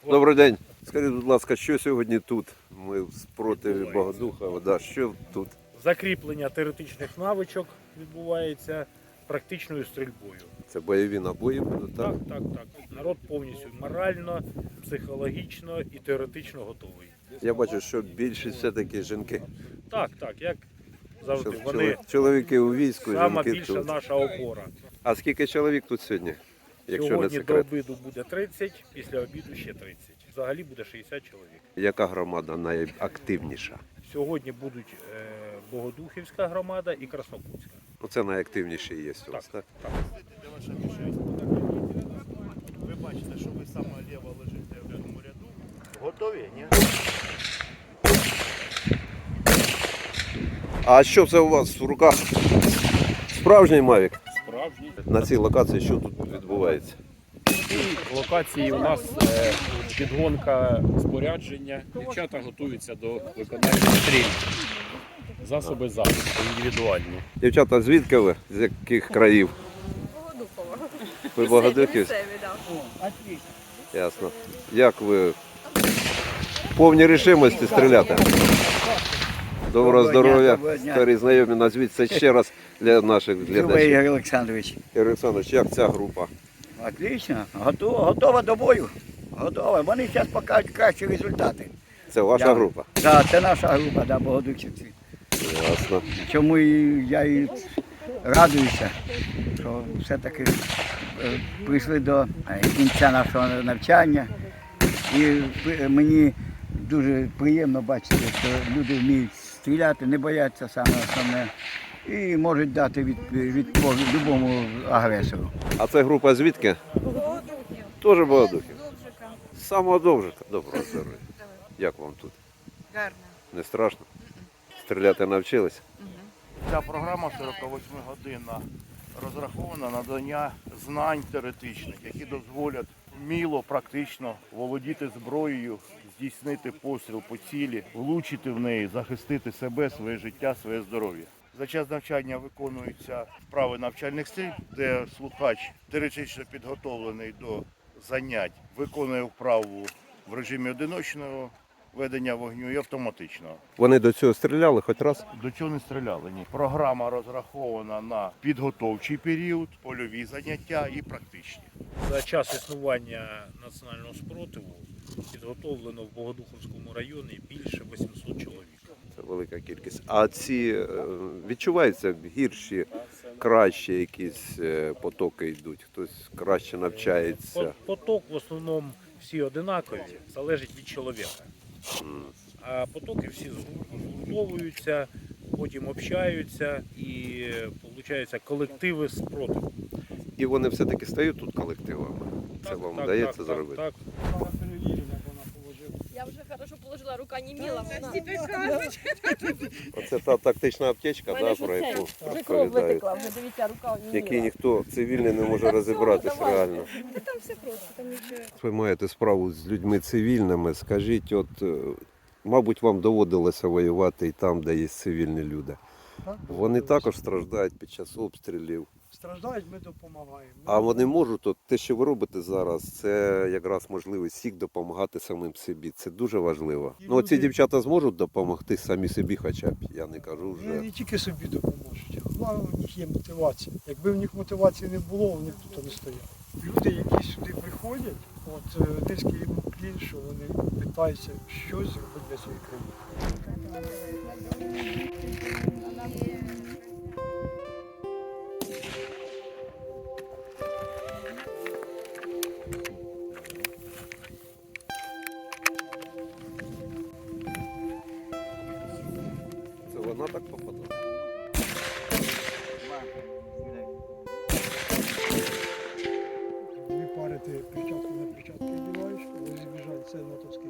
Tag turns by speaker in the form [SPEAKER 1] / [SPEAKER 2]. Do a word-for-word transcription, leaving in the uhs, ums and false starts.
[SPEAKER 1] Добрий день. Скажіть, будь ласка, що сьогодні тут? Ми спротиві Богодуха. Да, що тут?
[SPEAKER 2] Закріплення теоретичних навичок відбувається практичною стрільбою.
[SPEAKER 1] Це бойові набої будуть, так?
[SPEAKER 2] Так, так, так. Народ повністю морально, психологічно і теоретично готовий.
[SPEAKER 1] Я бачу, що більшість все-таки жінки.
[SPEAKER 2] Так, так, як завжди.
[SPEAKER 1] Що
[SPEAKER 2] Вони
[SPEAKER 1] чоловіки у війську,
[SPEAKER 2] сама
[SPEAKER 1] жінки
[SPEAKER 2] більша
[SPEAKER 1] тут.
[SPEAKER 2] наша опора.
[SPEAKER 1] А скільки чоловік тут сьогодні? Якщо не
[SPEAKER 2] Сьогодні до
[SPEAKER 1] секрет.
[SPEAKER 2] обіду буде тридцять, після обіду ще тридцять. Взагалі буде шістдесят чоловік.
[SPEAKER 1] Яка громада найактивніша?
[SPEAKER 2] Сьогодні будуть е, Богодухівська громада і Краснокутська.
[SPEAKER 1] Ну, це найактивніші є у вас, так?
[SPEAKER 2] Так.
[SPEAKER 3] Ви бачите, що ви саме ліво лежите в цьому ряду. Готові? Ні?
[SPEAKER 1] А що це у вас в руках? Справжній Мавік?
[SPEAKER 4] Справжній.
[SPEAKER 1] На цій локації що тут відбувається?
[SPEAKER 4] В локації у нас е, підгонка спорядження. Дівчата готуються до виконання стрільб. Засоби захисту індивідуальні.
[SPEAKER 1] Дівчата, звідки ви? З яких країв?
[SPEAKER 5] Богодухова.
[SPEAKER 1] Ви Богодухівські?
[SPEAKER 5] Місцеві, так.
[SPEAKER 1] Ясно. Як ви в повній рішимості стріляти? Доброго здоров'я, старі знайомі, назвіться ще раз для наших
[SPEAKER 6] Любий
[SPEAKER 1] глядачів.
[SPEAKER 6] Ігор Олександрович.
[SPEAKER 1] Ігор Олександрович, як ця група?
[SPEAKER 6] Отлично. Готова, готова до бою. Готова. Вони зараз покажуть кращі результати.
[SPEAKER 1] Це ваша
[SPEAKER 6] Да.
[SPEAKER 1] група?
[SPEAKER 6] Так, це наша група, да, Богодухівці.
[SPEAKER 1] Ясно.
[SPEAKER 6] Чому і я і радуюся, що все-таки е, прийшли до е, кінця нашого навчання. І при- мені дуже приємно бачити, що люди вміють стріляти, не бояться саме основне. І можуть дати відповідь від будь-якому агресору.
[SPEAKER 1] А це група звідки?
[SPEAKER 5] Богодухів.
[SPEAKER 1] Теж Богодухів.
[SPEAKER 5] Довжика.
[SPEAKER 1] З самого Довжика. Доброго здоров'я. Як вам тут?
[SPEAKER 5] Гарно.
[SPEAKER 1] Не страшно? Стріляти навчились?
[SPEAKER 3] Ця програма сорокавосьмигодинна розрахована на надання знань теоретичних, які дозволять вміло, практично володіти зброєю, здійснити постріл по цілі, влучити в неї, захистити себе, своє життя, своє здоров'я. За час навчання виконуються вправи навчальних стрільб, де слухач теоретично підготовлений до занять, виконує вправу в режимі одиночного ведення вогню і автоматичного.
[SPEAKER 1] Вони до цього стріляли хоч раз?
[SPEAKER 3] До цього не стріляли, ні. Програма розрахована на підготовчий період, польові заняття і практичні.
[SPEAKER 2] За час існування національного спротиву підготовлено в Богодухівському районі більше вісімсот чоловік.
[SPEAKER 1] Це велика кількість. А ці е, відчуваються гірші, кращі якісь е, потоки йдуть? Хтось краще навчається?
[SPEAKER 2] По- Поток в основному всі одинакові, залежить від чоловіка. А потоки всі згуртовуються, потім общаються і виходить колективи спротиву.
[SPEAKER 1] І вони все-таки стають тут колективами? Це
[SPEAKER 2] Так,
[SPEAKER 1] вам
[SPEAKER 2] так,
[SPEAKER 1] вдається
[SPEAKER 2] так,
[SPEAKER 1] зробити?
[SPEAKER 2] Так,
[SPEAKER 5] Я вже хорошо положила, рука не міла.
[SPEAKER 1] Оце та тактична аптечка, да, про яку
[SPEAKER 5] Вже кров
[SPEAKER 1] розповідають,
[SPEAKER 5] витекла, вже дивіться, рука не
[SPEAKER 1] який ніхто цивільний не може розібратись реально.
[SPEAKER 5] Там все просто, там нічого.
[SPEAKER 1] Ви маєте справу з людьми цивільними. Скажіть, от, е, мабуть, вам доводилося воювати і там, де є цивільні люди. Вони також страждають під час обстрілів.
[SPEAKER 7] Страждають, ми допомагаємо.
[SPEAKER 1] А вони можуть, от те, що ви робите зараз, це якраз можливість всіх допомагати самим собі. Це дуже важливо. Ну, ці дівчата зможуть допомогти самі собі, хоча б, я не кажу
[SPEAKER 7] Вони
[SPEAKER 1] вже.
[SPEAKER 7] не тільки собі допоможуть, головне в них є мотивація. Якби в них мотивації не було, вони б тут не стояли. Люди, які сюди приходять, от е, низький їм уклін, що вони питаються щось зробити для своєї країни.
[SPEAKER 1] Це вона так попадає.
[SPEAKER 7] Дві пари ти перчатку на перчатку вдіваєш, коли збіжать, це натовський